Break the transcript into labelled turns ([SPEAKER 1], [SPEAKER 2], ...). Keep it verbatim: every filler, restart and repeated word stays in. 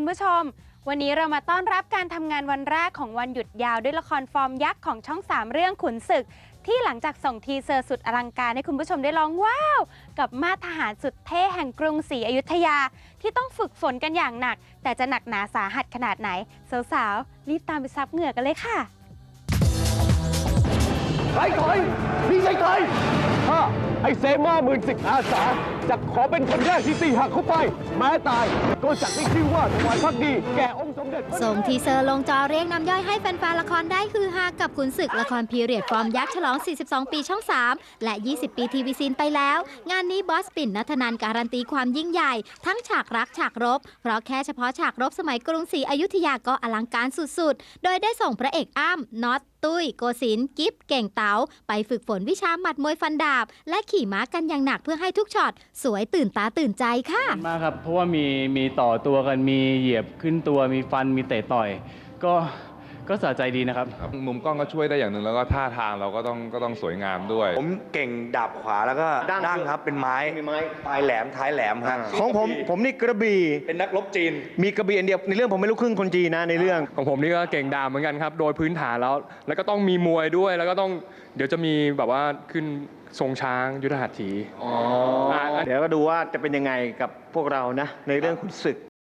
[SPEAKER 1] ผู้ชมวันนี้เรามาต้อนรับการทำงานวันแรกของวันหยุดยาวด้วยละครฟอร์มยักษ์ของช่องสามเรื่องขุนศึกที่หลังจากส่งทีเซอร์สุดอลังการให้คุณผู้ชมได้ร้องว้าวกับมาตรทหารสุดเท่แห่งกรุงศรีอยุธยาที่ต้องฝึกฝนกันอย่างหนักแต่จะหนักหนาสาหัสขนาดไหนสาวๆรีบตามไปซับเหงื่อกันเลยค่ะ
[SPEAKER 2] ใครถอยนี่ใช่ใครข้าไอ้เซมาหมื่นสิบอาสาจะขอเป็นคนแรกที่ตีหักเข้าไปแม้ตายก็จัดให้ชื่อว่าถวายพักดีแก่องค์สมเด็จ
[SPEAKER 3] ส่งทีเซอร์ลงจอเรียกน้ำย่อยให้แฟนๆละครได้ฮือฮากับขุนศึกละครพีเรียดฟอร์มยักษ์ฉลอง สี่สิบสอง ปีช่อง สาม และ ยี่สิบ ปีทีวีซีนไปแล้ว งานนี้บอสปิ่นณัฐนันท์การันตีความยิ่งใหญ่ทั้งฉากรักฉากรบ เพราะแค่เฉพาะฉากรบสมัยกรุงศรีอยุธยาก็อลังการสุดๆ โดยได้ส่งพระเอกอ้ำน็อตตุ้ยโกศินทร์กิฟเก่งเต๋าไปฝึกฝนวิชาหมัดมวยฟันดาบและขี่ม้ากันอย่างหนักเพื่อให้ทุกช็อตสวยตื่นตาตื่นใจค่ะ
[SPEAKER 4] มากครับเพราะว่ามีมีต่อตัวกันมีเหยียบขึ้นตัวมีฟันมีเตะต่อยก็ก็สะใจดีนะครับ
[SPEAKER 5] มุมกล้องก็ช่วยได้อย่างหนึ่งแล้วก็ท่าทางเราก็ต้องก็ต้องสวยงามด้วย
[SPEAKER 6] ผมเก่งดาบขวาแล้วก็ดั้งครับเป็นไม้ไม้ปลายแหลมท้ายแหลมครับ
[SPEAKER 7] ของผมผมนี่กระบี่
[SPEAKER 6] เป็นนักรบจีน
[SPEAKER 7] มีกระบี่อันเดียวในเรื่องผมไม่รู้ครึ่งคนจีนนะในเรื่อง
[SPEAKER 8] ของผมนี่ก็เก่งดาบเหมือนกันครับโดยพื้นฐานแล้วแล้วก็ต้องมีมวยด้วยแล้วก็ต้องเดี๋ยวจะมีแบบว่าขึ้นทรงช้างยุทธหัตถี
[SPEAKER 7] เดี๋ยวก็ดูว่าจะเป็นยังไงกับพวกเรานะในเรื่องขุนศึก